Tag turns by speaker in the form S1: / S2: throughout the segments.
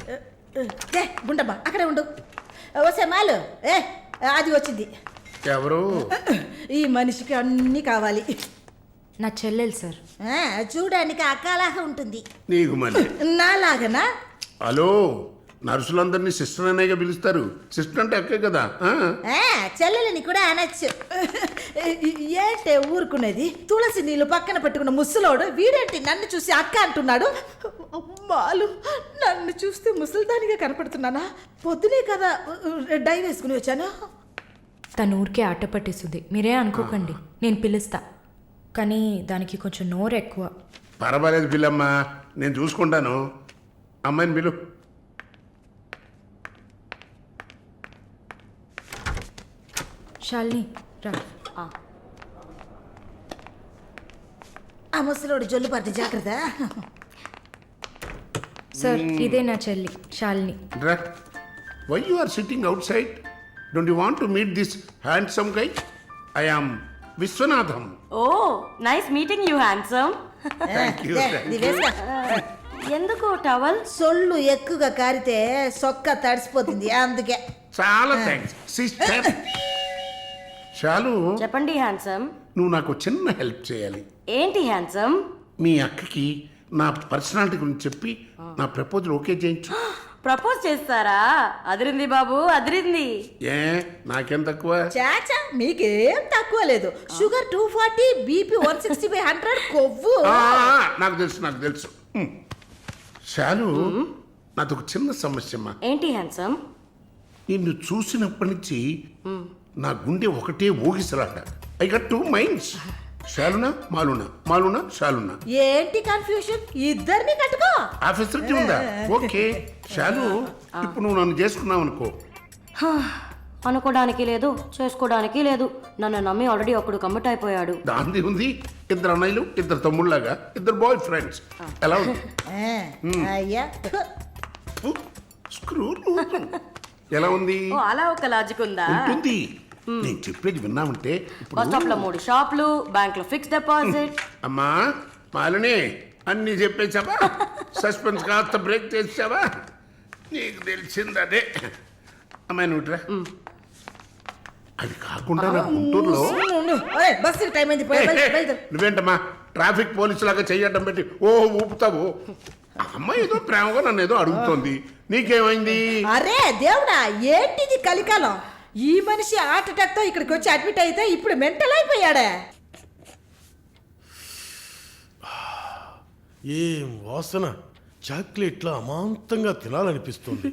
S1: గుండమ్మ అక్కడే ఉండు. వస్తే మాలు అది వచ్చింది.
S2: ఎవరు?
S1: ఈ మనిషికి అన్నీ కావాలి.
S3: నా చెల్లెలు సార్.
S1: చూడడానికి అక్కలాగా ఉంటుంది.
S2: నీకు మళ్ళీ
S1: నాలాగనా?
S2: హలో, నర్సులందరినీ సిస్టర్ అనేగా పిలుస్తారు. సిస్టర్ అంటే అక్కే కదా.
S1: చెల్లెలని కూడా అనొచ్చు. ఏంటే ఊరుకునేది? తులసి నీళ్ళు పక్కన పెట్టుకున్న ముసలోడు వీడేంటి నన్ను చూసి అక్క అంటున్నాడు? అమ్మాలు, నన్ను చూస్తే ముసలిదానిగా కనపడుతున్నానా? పొద్దునే కదా డై వేసుకుని వచ్చాను.
S3: తను ఊరికే ఆట పట్టేస్తుంది, మీరే అనుకోకండి. నేను పిలుస్తా, కానీ దానికి కొంచెం నోరు ఎక్కువ.
S2: పర్వాలేదు పిల్లమ్మా, నేను చూసుకుంటాను. అమ్మాయిని పిలు.
S3: శాలిని రా.
S1: ఆ ముసలోడు జొల్లు పడితే జాగ్రత్త.
S3: సార్, ఇదే నా చెల్లి Shalini.
S2: Why you are sitting outside? Don't you want to meet this handsome guy? I am Vishwanatham.
S4: Oh, nice meeting you handsome. ఎందుకు టవల్?
S1: సొల్లు ఎక్కువగా కారితే సొక్క తడిసిపోతుంది, అందుకే.
S2: చాలా థ్యాంక్స్ సిస్టర్. చాలు,
S4: చెప్పండి హ్యాండ్సమ్.
S2: నువ్వు నాకు చిన్న హెల్ప్ చేయాలి.
S4: ఏంటి హ్యాండ్సమ్?
S2: మీ అక్కకి నా పర్సనాలిటీ గురించి చెప్పి నా ప్రపోజల్ ఓకే చేయించు.
S4: ప్రపోజ్ చేస్తారా? అదిరింది బాబు, అదిరింది.
S2: ఏ నాకేం తక్కువ?
S1: చాచా, మీకేం తక్కువ లేదు. షుగర్ 240, బీపీ 160/100, కొవ్వు.
S2: నాకు తెలుసు, నాకు తెలుసు. చాలు, నాదొక చిన్న సమస్యమ్మా.
S4: ఏంటి హ్యాండ్సమ్?
S2: నిన్ను చూసినప్పటి నుంచి నా గుండె ఒకటే ఊగిసలాట. I got 2 minds. శాలునా మాలునా, మాలునా శాలునా.
S1: ఏంటి కన్ఫ్యూషన్? ఇద్దరిని కట్టుకో.
S2: ఆ ఫెసిలిటీ ఉందా? ఓకే శాలు, ఇప్పుడు నువ్వు నన్ను చేసుకున్నావు అనుకో.
S4: అనుకోవడానికి లేదు, చేసుకోవడానికి లేదు. నన్ను నమ్మి ఆల్రెడీ ఒకడు కమిట్ అయిపోయాడు.
S2: దాంది ఉంది. 2 అన్నయ్యలు, 2 తమ్ముళ్ళలాగా, 2 బాయ్ ఫ్రెండ్స్. ఎలా ఉంది?
S1: అయ్యా,
S2: స్క్రూ ఎలా ఉంది?
S4: అలా ఒక లాజిక్ ఉందా?
S2: ఉంటుంది. నేను చెప్పేది విన్నామంటే
S4: బస్ స్టాప్ లో 3 షాపులు, బ్యాంక్ లో ఫిక్స్ డిపాజిట్.
S2: అమ్మా మాలిని, అన్ని చెప్పేసావా? సస్పెన్స్ కాస్త బ్రేక్ చేసావా? నీకు తెలిసింది అదే. అమ్మాయి నువ్వుట్రా. అది కాకుండా నా గుంటూరులో
S1: బస్సు టైం అయింది.
S2: నువ్వేంటమ్మా ట్రాఫిక్ పోలీసు లాగా చెయ్యడం పెట్టి ఊపుతావు? అమ్మాయి ఏదో ప్రేమగా నన్ను ఏదో అడుగుతోంది. నీకేమైంది?
S1: అరే దేవుడా, ఏంటిది కలికాలం? ఈ మనిషి హార్ట్ అటాక్ తో ఇక్కడికి వచ్చి అడ్మిట్ అయితే ఇప్పుడు మెంటల్ అయిపోయాడే.
S5: ఏం వాసన! చాక్లెట్లా అమాంతంగా తినాలనిపిస్తుంది.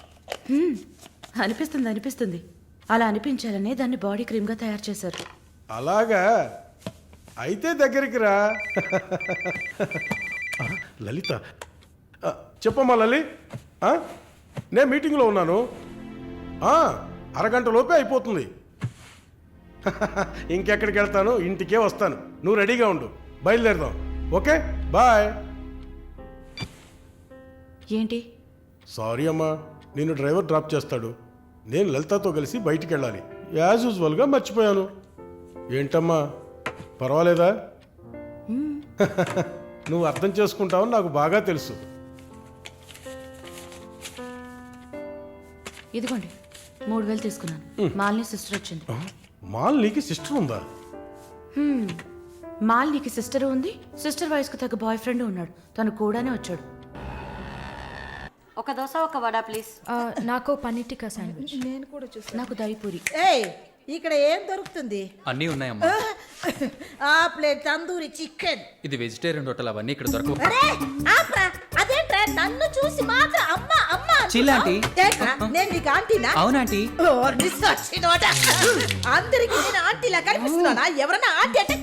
S6: అనిపిస్తుంది. అలా అనిపించాలనే దాన్ని బాడీ క్రీమ్ గా తయారు చేశారు.
S5: అలాగా? అయితే దగ్గరికి రా. లలిత, చెప్పమ్మా లలి. నేను మీటింగ్లో ఉన్నాను. అరగంట లోపే అయిపోతుంది. ఇంకెక్కడికి వెళ్తాను? ఇంటికే వస్తాను. నువ్వు రెడీగా ఉండు, బయలుదేరదాం. Okay, bye.
S6: ఏంటి?
S5: సారీ అమ్మా, నిన్ను డ్రైవర్ డ్రాప్ చేస్తాడు. నేను లలితతో కలిసి బయటికి వెళ్ళాలి. యాజ్ యూజువల్గా మర్చిపోయాను. ఏంటమ్మా, పర్వాలేదా? నువ్వు అర్థం చేసుకుంటావని నాకు బాగా తెలుసు.
S6: ఇదిగోండి 3000 తీసుకున్నాను. మాలిని సిస్టర్ వచ్చింది.
S5: మాలినికి సిస్టర్ ఉందా?
S6: మాలినికి సిస్టర్ ఉంది. సిస్టర్ వయసుకు తగ్గ బాయ్ ఫ్రెండ్ ఉన్నాడు. తను కూడానే వచ్చాడు.
S4: ఒక దోశ, ఒక వడ ప్లీజ్.
S3: నాకు పన్నీర్ టిక్కా శాండ్విచ్.
S1: నేను కూడా చూస్తాను.
S6: నాకు దహిపూరి.
S1: ఇక్కడ ఏం దొరుకుతుంది?
S7: అన్నీ ఉన్నాయమ్మా.
S1: ఆ ప్లేట్ తందూరి చికెన్.
S7: ఇది వెజిటేరియన్ హోటల్, అవన్నీ ఇక్కడ దొరకవు.
S1: అదేంట్రా నన్ను చూసి మాత్రం అమ్మా అమ్మా?
S7: చిల్లాంటి,
S1: నేను నీకు ఆంటీనా?
S7: అవునాంటీ.
S1: అందరికి నేను ఆంటీలా కనిపిస్తున్నానా? ఎవరన్నా ఆంటీ అంటే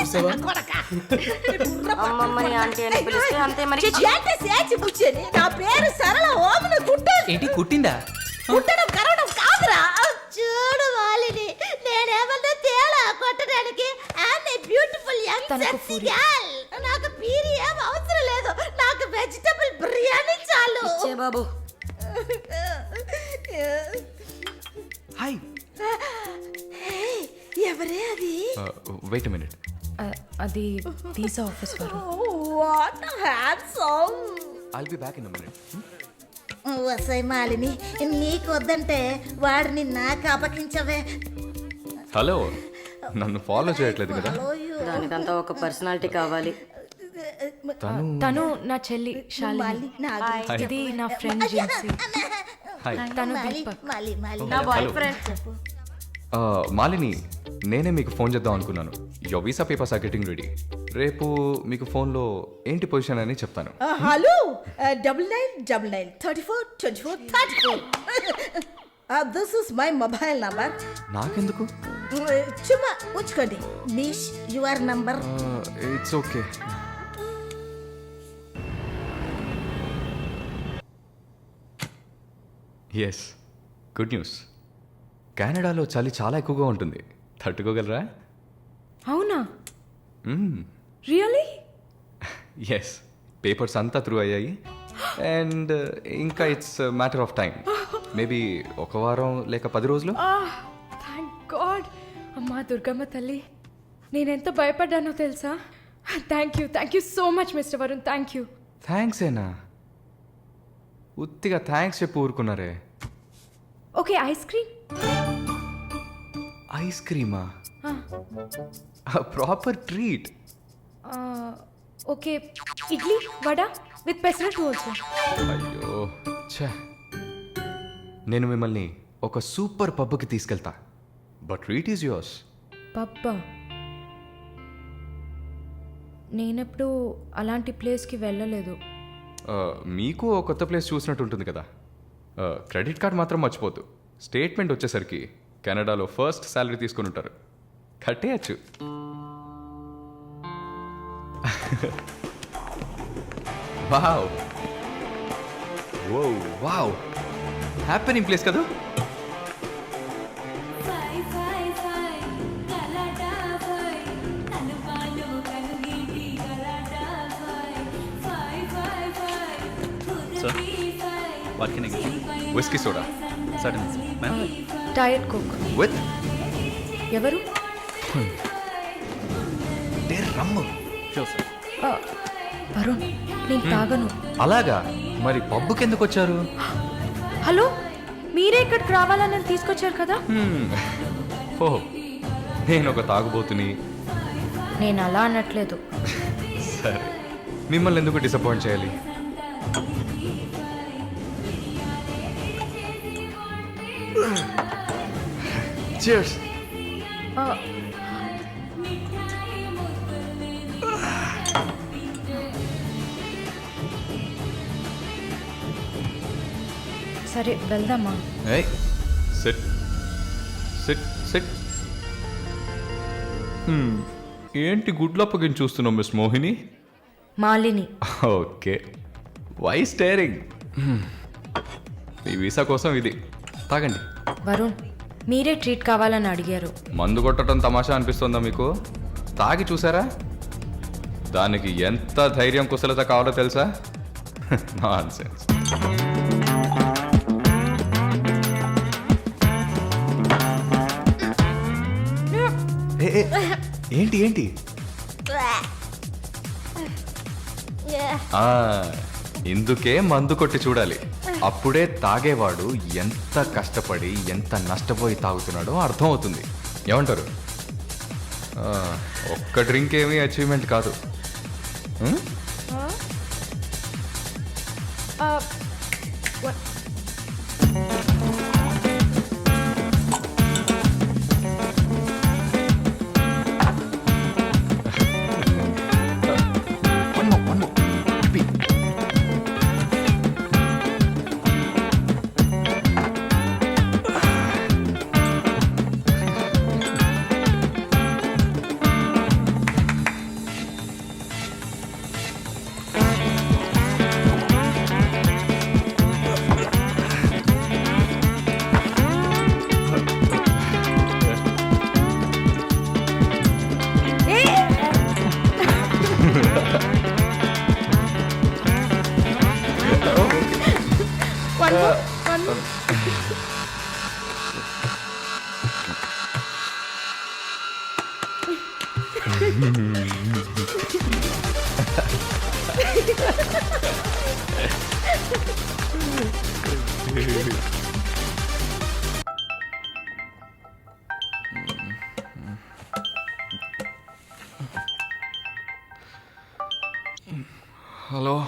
S4: అమ్మమ్మని ఆంటీ అని పిలిస్తే అంతే మరి.
S1: నా పేరు సరళ ఓమన కుట్టాను.
S7: ఏంటి కుట్టిందా?
S1: కుట్టడం కరవడం కాదురా. చూడు వాలిని, నేనేమన్నా తేడా కొట్టడానికి. Beautiful young sexy girl. నాకు పీరి ఏం అవసరం లేదు. నాకు వెజిటబుల్ బిర్యానీ చాలు.
S4: ఇచ్చే బాబు.
S7: హాయ్.
S1: ఎవరే అది?
S7: Wait a minute.
S3: అది వీసా ఆఫీస్ వారు.
S1: What handsome.
S7: I'll be back in a minute.
S1: వసై మాలిని నీకు వద్దంటే వాడిని నాకు అపకించవే.
S7: హలో నన్ను ఫాలో చేయట్లేదు కదా?
S4: దానికంతా ఒక పర్సనాలిటీ కావాలి.
S3: తను నా చెల్లి శాలిని. ఇది నా ఫ్రెండ్ జిన్సీ.
S7: హాయ్.
S3: తను దీపక్.
S4: నా బాయ్ ఫ్రెండ్.
S7: మాలిని, నేనే మీకు ఫోన్ చేద్దాం అనుకున్నాను. Your visa papers are getting ready. రేపు మీకు ఫోన్లో ఏంటి పొజిషన్ అని చెప్తాను.
S1: Hello 9999342434. This is my mobile number.
S7: నాకెందుకు?
S1: చుమ్మా ఉంచుకోండి. Miss your number.
S7: It's okay. Yes, good news. కెనడాలో చలి చాలా ఎక్కువగా ఉంటుంది. తట్టుకోగలరా?
S3: అవునా? రియలీ?
S7: ఎస్, పేపర్స్ అంతా త్రూ అయ్యాయి. అండ్ ఇంకా it's matter of time. Maybe ఒక వారం లేక 10 రోజులు.
S3: Thank God. అమ్మా దుర్గమ్మ తల్లి, నేనెంత భయపడ్డానో తెలుసా? Thank you so much mister Varun. Thank you.
S7: Thanks ఏనా? ఉత్తిగా థ్యాంక్స్ చెప్పి ఊరుకున్నారే.
S3: Okay, ice cream.
S7: ఐస్ క్రీమా? Proper treat.
S3: Okay, idli vada with pesarattu also.
S7: అయ్యో ఛే, నేను మిమ్మల్ని ఒక సూపర్ పబ్కి తీసుకెళ్తా. But treat is yours.
S3: పబ్బా? నేనెప్పుడు అలాంటి ప్లేస్కి వెళ్ళలేదు.
S7: మీకు ఓ కొత్త ప్లేస్ చూసినట్టు ఉంటుంది కదా. క్రెడిట్ కార్డ్ మాత్రం మర్చిపోద్దు. స్టేట్మెంట్ వచ్చేసరికి కెనడాలో ఫస్ట్ శాలరీ తీసుకుని ఉంటారు. కట్టేయచ్చు. వావ్ వావ్, హ్యాపెనింగ్ ప్లేస్ కదా. Whisky soda
S3: diet coke
S7: with
S3: ఎవరు?
S7: రమ్ము.
S3: వరుణ్, నేను తాగను.
S7: అలాగా? మరి పబ్బుకి ఎందుకు వచ్చారు?
S3: హలో, మీరే ఇక్కడికి రావాలని నన్ను తీసుకొచ్చారు కదా.
S7: ఓ, నేను ఒక తాగుబోతుని.
S3: నేను అలా అనట్లేదు.
S7: సరే, మిమ్మల్ని ఎందుకు డిసప్పాయింట్ చేయాలి? Cheers.
S3: సరే వెళ్దామా?
S7: Hey, sit. Sit, sit. ఏంటి గుడ్లు అప్పగించి చూస్తున్నావు miss Mohini?
S3: Malini.
S7: Okay, why staring? మీ వీసా కోసం ఇది తాగండి.
S3: వరుణ్, మీరే ట్రీట్ కావాలని అడిగారు.
S7: మందు కొట్టడం తమాషా అనిపిస్తుందా మీకు? తాగి చూసారా? దానికి ఎంత ధైర్యం కుశలత కావాలో తెలుసా? నాన్సెన్స్. ఏంటి ఏంటి? ఇందుకే మందు కొట్టి చూడాలి. అప్పుడే తాగేవాడు ఎంత కష్టపడి ఎంత నష్టపోయి తాగుతున్నాడో అర్థమవుతుంది. ఏమంటారు? ఒక్క డ్రింక్ ఏమీ అచీవ్మెంట్ కాదు. హలో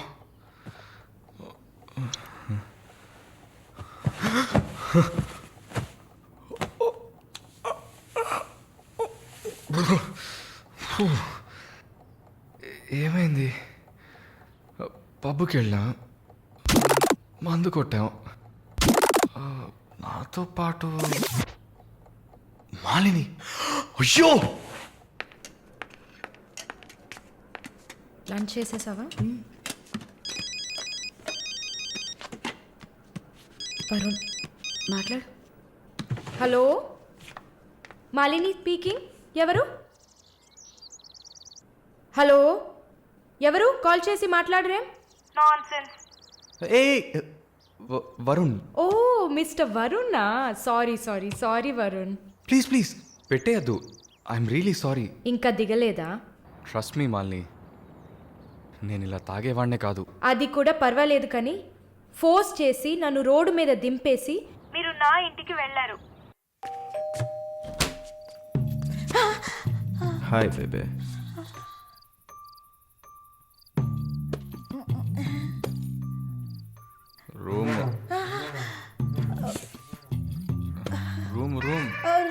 S7: ఏమైంది? పబ్కి వెళ్ళాం, మందు కొట్టాం. నాతో పాటు మాలిని. అయ్యో,
S3: లంచ్ చేసేసావా? వరుణ్ మాట్లాడు. Hello, Malini speaking. ఎవరు? హలో, ఎవరు? కాల్ చేసి మాట్లాడరేం?
S7: ఏ వరుణ్,
S3: ఓ మిస్టర్ వరుణా. Sorry sorry sorry Varun.
S7: Please please పెట్టేయద్దు. I'm really sorry.
S3: ఇంకా దిగలేదా?
S7: ట్రస్ట్ మీ మాలిని, నేను ఇలా తాగేవాడినే కాదు.
S3: అది కూడా పర్వాలేదు, కానీ ఫోర్స్ చేసి నన్ను రోడ్డు మీద దింపేసి మీరు నా ఇంటికి వెళ్ళారు.
S7: Hi baby. Room room room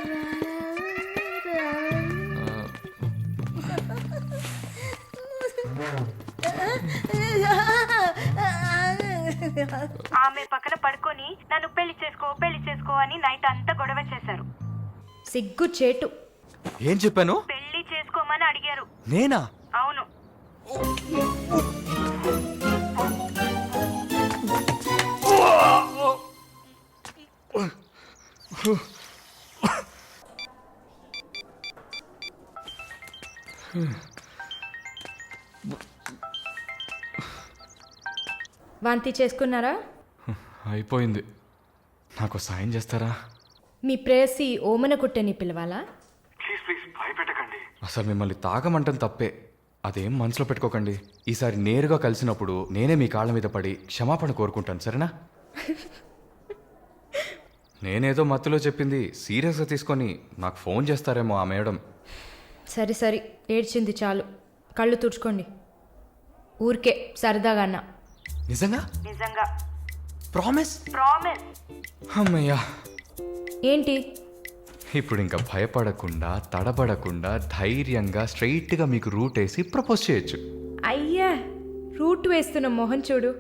S8: ఆమె పక్కన పడుకొని నన్ను పెళ్లి చేసుకో అని నైట్ అంతా గొడవ చేశారు.
S3: సిగ్గు చేటు.
S7: ఏం చెప్పాను?
S8: పెళ్లి చేసుకోమని అడిగారు.
S7: నేనా?
S8: అవును.
S3: వాంతి చేసుకున్నారా?
S7: అయిపోయింది. నాకు సాయం చేస్తారా?
S3: మీ ప్రేయసి ఓమన కుట్టని పిలవాలా?
S7: అసలు మిమ్మల్ని తాగమంటం తప్పే, అదేం మనసులో పెట్టుకోకండి. ఈసారి నేరుగా కలిసినప్పుడు నేనే మీ కాళ్ళ మీద పడి క్షమాపణ కోరుకుంటాను, సరేనా? నేనేదో మత్తులో చెప్పింది సీరియస్గా తీసుకొని నాకు ఫోన్ చేస్తారేమో ఆ మేడం.
S3: సరే సరే, ఏడ్చింది చాలు. కళ్ళు తుడుచుకోండి. ఊరికే సరదాగా అన్నా.
S7: నిజంగా?
S8: నిజంగా.
S7: ప్రామిస్?
S8: ప్రామిస్.
S7: అమ్మయ్యా.
S3: ఏంటి?
S7: ఇప్పుడు ఇంకా భయపడకుండా తడబడకుండా ధైర్యంగా స్ట్రైట్గా మీకు రూట్ వేసి ప్రపోజ్ చేయొచ్చు.
S3: అయ్యా, రూట్ వేస్తున్న మొహం చూడు.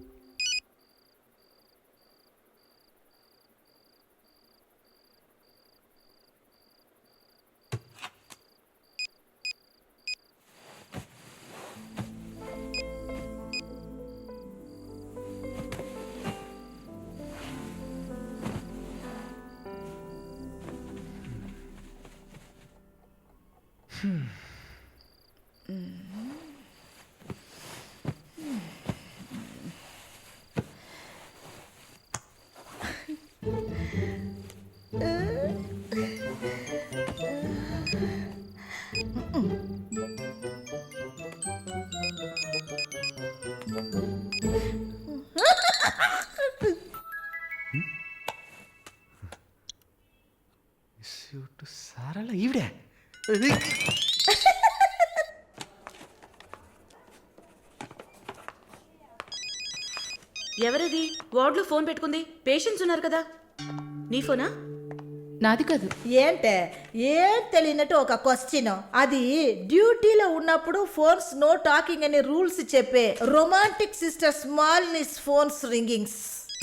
S7: సారలా ఈవిడే.
S6: ఎవరది వార్డులో ఫోన్ పెట్టుకుంది? పేషెంట్స్ ఉన్నారు కదా. నీ ఫోనా?
S1: నాది కాదు. ఏంటే ఏం తెలియనట్టు ఒక క్వశ్చన్. అది డ్యూటీలో ఉన్నప్పుడు ఫోన్స్ నో టాకింగ్ అనే రూల్స్ చెప్పే romantic sister smallness phones ringings.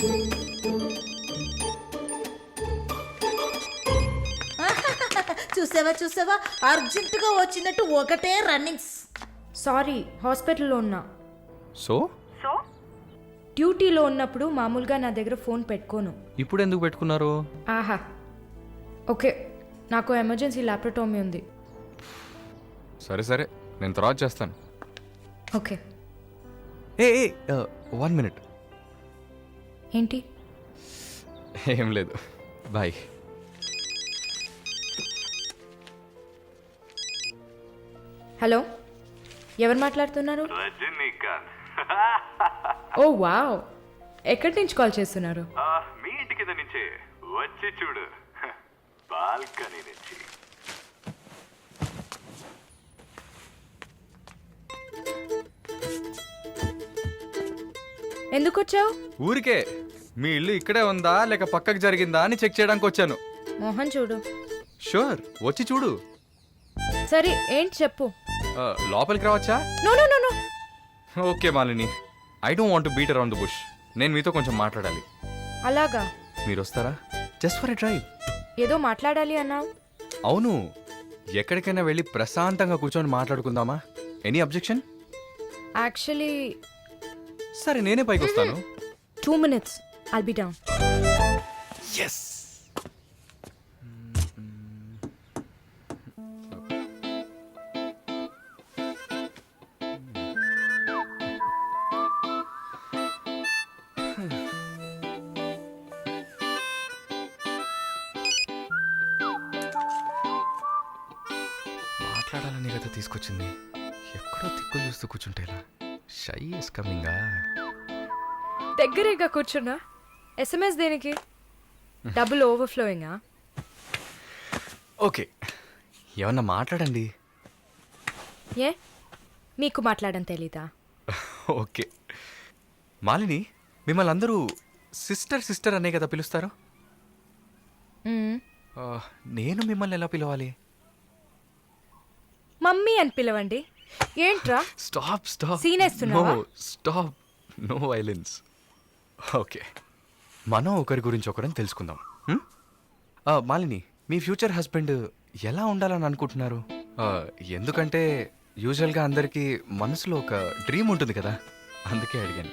S1: చూసావా అర్జెంటుగా వచ్చినట్టు ఒకటే రన్నింగ్స్.
S3: సారీ, హాస్పిటల్లో ఉన్నా.
S7: సో
S3: డ్యూటీలో ఉన్నప్పుడు మామూలుగా నా దగ్గర ఫోన్ పెట్టుకోను.
S7: ఇప్పుడు ఎందుకు పెట్టుకున్నారు?
S3: ఆహా, ఓకే, నాకు ఎమర్జెన్సీ ల్యాప్రటోమీ ఉంది.
S7: సరే సరే, నేను తర్వాత చేస్తాను.
S3: ఓకే.
S7: A 1 minute.
S3: ఏంటి?
S7: ఏం లేదు, బాయ్.
S3: హలో, ఎవరు మాట్లాడుతున్నారు? ఓ వావ్, ఎక్కడి నుంచి కాల్ చేస్తున్నారు?
S9: మీ
S7: కింద నుంచే వచ్చి చూడు బాల్కనీ నుంచి.
S3: ఎందుకు వచ్చావు?
S7: ఊరికే మీ ఇల్లు ఇక్కడే ఉందా లేక పక్కకు జరిగిందా అని చెక్ చేయడానికి వచ్చాను.
S3: మోహన్ చూడు.
S7: షూర్, వచ్చి చూడు.
S3: సరే ఏంటి చెప్పు.
S7: లోపలికి రావచ్చా?
S3: No no no no.
S7: Okay Malini, I don't want to beat around the bush. నేను మీతో కొంచెం మాట్లాడాలి.
S3: అలాగా?
S7: మీరు వస్తారా? Just for a drive.
S3: ఏదో మాట్లాడాలి అన్నావు.
S7: అవును, ఎక్కడికైనా వెళ్ళి ప్రశాంతంగా కూర్చొని మాట్లాడుకుందామా? Any objection?
S3: యాక్చువల్లీ
S7: సరే నేనే పైకి వస్తాను.
S3: 2 minutes. I'll be down.
S7: Yes. మాట్లాడాలని కదా తీసుకొచ్చింది. ఎక్కడో తిక్కులు చూస్తూ కూర్చుంటేలా. Shy is కమింగా.
S3: దగ్గరేగా కూర్చున్నా. SMS దేనికి? డబుల్ ఓవర్ఫ్లోయింగా?
S7: ఓకే, ఏమన్నా మాట్లాడండి.
S3: ఏ మీకు మాట్లాడడం తెలీదా?
S7: ఓకే మాలిని, మిమ్మల్ని అందరూ సిస్టర్ సిస్టర్ అనే కదా పిలుస్తారు.
S3: మ్మ్.
S7: నేను మిమ్మల్ని ఎలా పిలవాలి?
S3: మమ్మీ అని పిలవండి. ఏంట్రా
S7: స్టాప్ స్టాప్.
S3: Scene వేస్తున్నావా?
S7: Stop, no violence. ఓకే, మనం ఒకరి గురించి ఒకరని తెలుసుకుందాం. మాలిని, మీ ఫ్యూచర్ హస్బెండ్ ఎలా ఉండాలని అనుకుంటున్నారు? ఎందుకంటే యూజువల్గా అందరికీ మనసులో ఒక డ్రీమ్ ఉంటుంది కదా, అందుకే అడిగాను.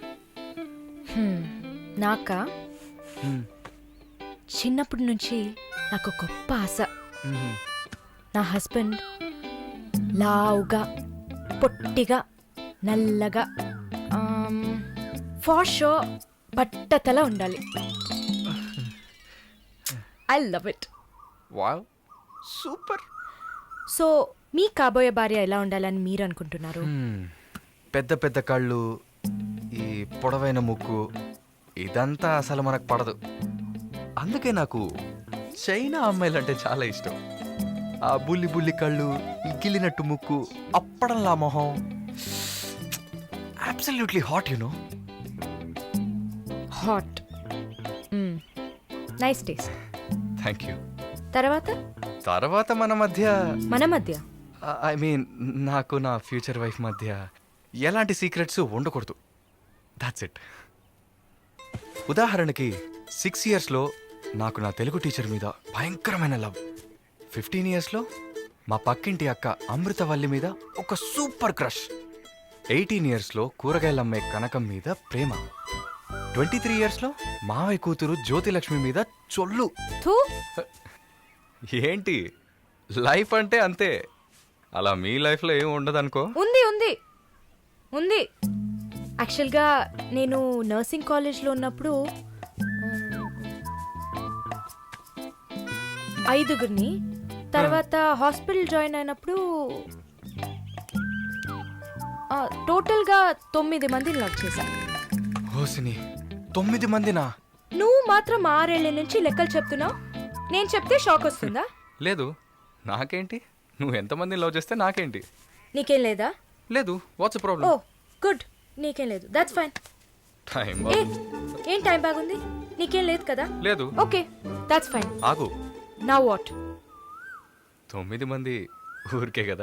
S3: నాకా?
S7: Hmm.
S3: చిన్నప్పటి నుంచి నాకు గొప్ప ఆశ.
S7: Mhm.
S3: నా హస్బెండ్ లావుగా, పొట్టిగా, నల్లగా, ఫార్ షో బట్టతల ఉండాలి. I love it.
S7: Wow, super.
S3: So మీ కాబోయే భార్య ఎలా ఉండాలని మీరు అనుకుంటున్నారు?
S7: పెద్ద పెద్ద కళ్ళు, ఈ పొడవైన ముక్కు, ఇదంతా అసలు మనకు పడదు. అందుకే నాకు చైనా అమ్మాయిలంటే చాలా ఇష్టం. ఆ బుల్లి బుల్లి కళ్ళు, ఈ గిల్లినట్టు ముక్కు, అప్పడంలా మొహం, absolutely hot you know.
S3: Hot. Nice taste.
S7: Thank you.
S3: తర్వాత
S7: మన
S3: మధ్య
S7: ఐ మీన్ నాకు నా ఫ్యూచర్ వైఫ్ మధ్య ఎలాంటి సీక్రెట్స్ ఉండకూడదు. That's it. ఉదాహరణకి 6 yearsలో నాకు నా తెలుగు టీచర్ మీద భయంకరమైన లవ్. 15 yearsలో మా పక్కింటి అక్క అమృతవల్లి మీద ఒక సూపర్ క్రష్. 18 yearsలో కూరగాయలమ్మే కనకం మీద ప్రేమ. 23 yearsలో మావయ్య కూతురు జ్యోతిలక్ష్మి మీద చొల్లు.
S3: థూ.
S7: ఏంటి, లైఫ్ అంటే అంతే. అలా మీ లైఫ్లో ఏం ఉండదనుకో.
S3: ఉంది ఉంది ఉంది. యాక్చువల్గా నేను నర్సింగ్ కాలేజ్లో ఉన్నప్పుడు 5 తర్వాత హాస్పిటల్ జాయిన్ అయినప్పుడు టోటల్గా 9 మందిని లవ్ చేశా.
S7: హోసిని, 9 మందినా?
S3: నువ్వు మాత్రం 6 ఏళ్ల నుంచి లెక్కలు చెప్తున్నావు. నేను చెప్తే షాక్ వస్తుందా?
S7: లేదు, నాకేంటి, నువ్వు ఎంతమందిని లవ్ చేస్తే నాకేంటి.
S3: నీకేం లేదా?
S7: లేదు. వాట్స్
S3: ఓ
S7: ప్రాబ్లం?
S3: గుడ్, నీకేం లేదు. That's fine.
S7: టైం
S3: ఏం టైం బాగుంది? నీకేం లేదు కదా?
S7: లేదు.
S3: Okay, that's fine.
S7: ఆగు.
S3: Now what?
S7: 9 మంది ఊరికే కదా.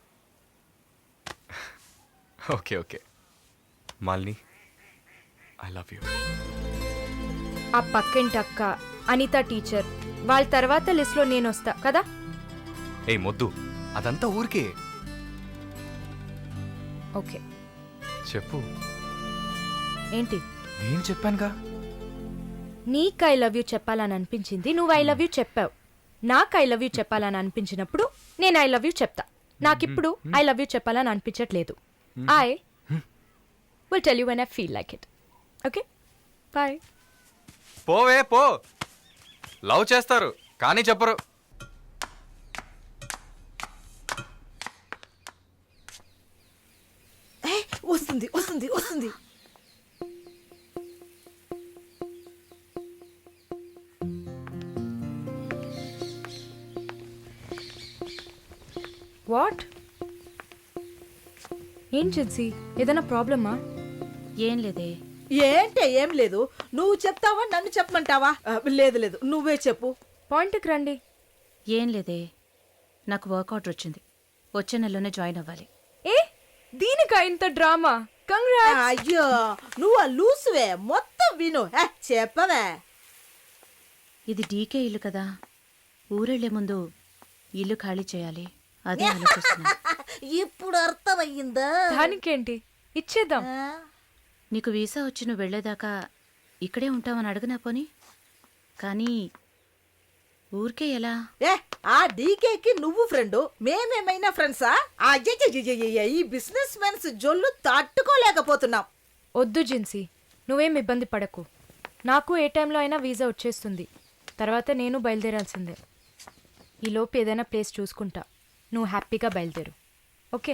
S7: Okay okay Malini, I love you.
S3: ఆ పక్కింటి అక్క, అనిత టీచర్, వాళ్ళ తర్వాత లిస్ట్లో నేను వస్తా కదా.
S7: ఏ మొద్దు, అదంతా ఊరికే.
S3: ఓకే
S7: చెప్పు.
S3: ఏంటి?
S7: నేను చెప్పానుగా.
S3: నీకు ఐ లవ్ యూ చెప్పాలని అనిపించింది, నువ్వు ఐ లవ్ యూ చెప్పావు. నాకు ఐ లవ్ యూ చెప్పాలని అనిపించినప్పుడు నేను ఐ లవ్ యూ చెప్తా. నాకిప్పుడు ఐ లవ్ యూ చెప్పాలని అనిపించట్లేదు. I will tell you when I feel like it. Okay bye.
S7: పోవే పో. లవ్ చేస్తారు కానీ చెప్పరు.
S1: వస్తుంది వస్తుంది వస్తుంది.
S3: వాట్? ఏం జిన్సీ, ఏదైనా ప్రాబ్లమా?
S6: ఏం లేదే.
S1: ఏంటే ఏం లేదు. నువ్వు చెప్తావా నన్ను చెప్పమంటావా? లేదు లేదు, నువ్వే చెప్పు.
S3: పాయింట్కి రండి.
S6: ఏం లేదే, నాకు వర్క్ ఆర్డర్ వచ్చింది. వచ్చే నెలలోనే జాయిన్ అవ్వాలి.
S3: ఏ దీనికా ఇంత డ్రామా? కంగ్రాట్స్.
S1: అయ్యో నువ్వు ఆ లూసువే, మొత్తం విను. చెప్పవే.
S6: ఇది డీకే ఇల్లు కదా, ఊరెళ్లే ముందు ఇల్లు ఖాళీ చేయాలి. అదే ఆలోచిస్తున్నా.
S1: ఇప్పుడు అర్థమయ్యిందా?
S3: దానికేంటి, ఇచ్చేద్దాం.
S6: నీకు వీసా వచ్చి నువ్వు వెళ్లేదాకా ఇక్కడే ఉంటావని అడగనా పోని? కానీ ఊరికే ఎలా?
S1: ఆ డీకేకి నువ్వు ఫ్రెండు, మేమేమైనా ఫ్రెండ్సా? అయ్యయ్యయ్యయ్య, ఈ బిజినెస్ మెన్స్ జొల్లు తట్టుకోలేకపోతున్నాం.
S3: వద్దు జిన్సీ, నువ్వేం ఇబ్బంది పడకు. నాకు ఏ టైంలో అయినా వీసా వచ్చేస్తుంది. తర్వాత నేను బయలుదేరాల్సిందే. ఈలోపు ఏదైనా ప్లేస్ చూసుకుంటా. నువ్వు హ్యాపీగా బయలుదేరు. ఓకే?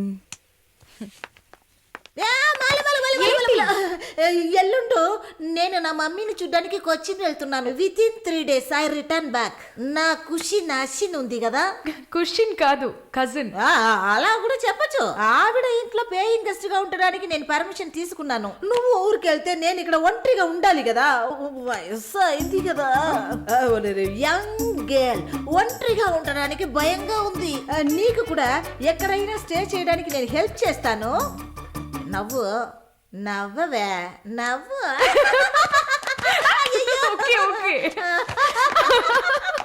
S1: ఎల్లుండు నేను నా మమ్మీని చూడ్డానికి కొచ్చిన్ వెళ్తున్నాను. Within 3 days I return back. నా ఖుషి నాశిన్ ఉంది కదా.
S3: క్వశ్చన్ కాదు, కజిన్.
S1: అలా కూడా చెప్పచ్చు. ఆవిడ ఇంట్లో పేయింగ్ గెస్ట్ గా ఉండడానికి నేను పర్మిషన్ తీసుకున్నాను. నువ్వు ఊరికి వెళ్తే నేను ఇక్కడ ఒంటరిగా ఉండాలి కదా. వయసు అయింది కదా. యంగ్ గర్ల్ ఒంటరిగా ఉండడానికి భయంగా ఉంది. నీకు కూడా ఎక్కడైనా స్టే చేయడానికి నేను హెల్ప్ చేస్తాను. నవ్వు నవ్వవే, నవ్వు.
S3: Okay okay.